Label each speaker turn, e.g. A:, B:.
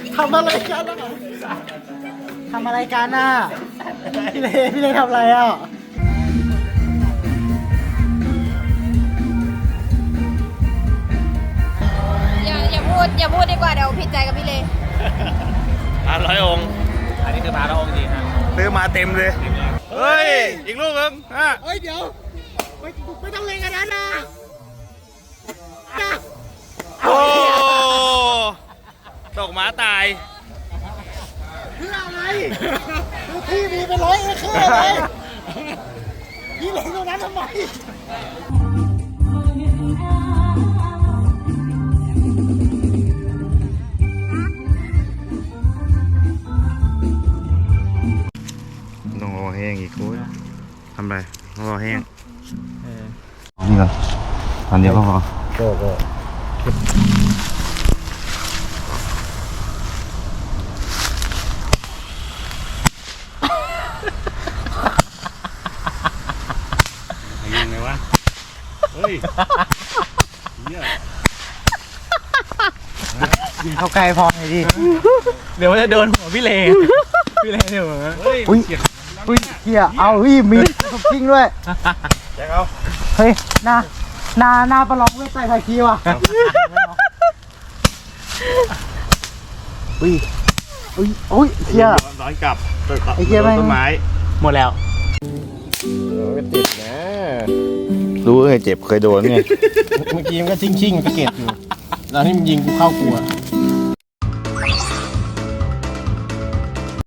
A: ทำอะไรกันอ่ะทำอะไรกันอ่ะพี่เลทำอะไรอ่ะ
B: อย่าพูดดีกว่าเดี๋ยวผิดใจกับพี่เล
C: 100 องค์
D: อันนี้คือมาแล้วองค์จริงนะ
C: ซื้อมาเต็มเลยเฮ้ยอีกลูกนึงฮะ
A: เฮ้ยเดี๋ยวไม่ต้องเล่นกันนะ
C: โอ้ตกหมาตาย
A: เพื่ออะไรที่มีเป็น100 เอเคอร์เลยพี่เล่นตรงนั้นทำไม
C: ต้องรอแห้งอีกคุยทำไรต้องรอแห้ง
E: นี่ก่อนอันเดียวก็พอ
A: ก็
C: ยังไงวะเฮ้ย
A: ยิงเข้าใกล้พอหน่อยดิ
D: เดี๋ยวมันจะโดนหัวพี่เลพี่เลเดี๋ยว
C: เฮ้ย
A: อุ้ยเฮียเอามีสมจริงด้วย
C: แจ็คเอา
A: เฮ้ยหน้าประลองเวทไต่ไทยคีว่ะอุ้ยเฮีย
C: ร้อนกลับ
A: ไอ้เหี้ยแม่ง
C: ต้นไม้
D: หมดแล้ว
E: ก็ติดนะ
C: รู้เคยเจ็บเคยโดนไง
E: เมื่อกี้มันก็ชิ่งๆไปเก็บอยู่แล้วที่มันยิงกูเข้ากูอะ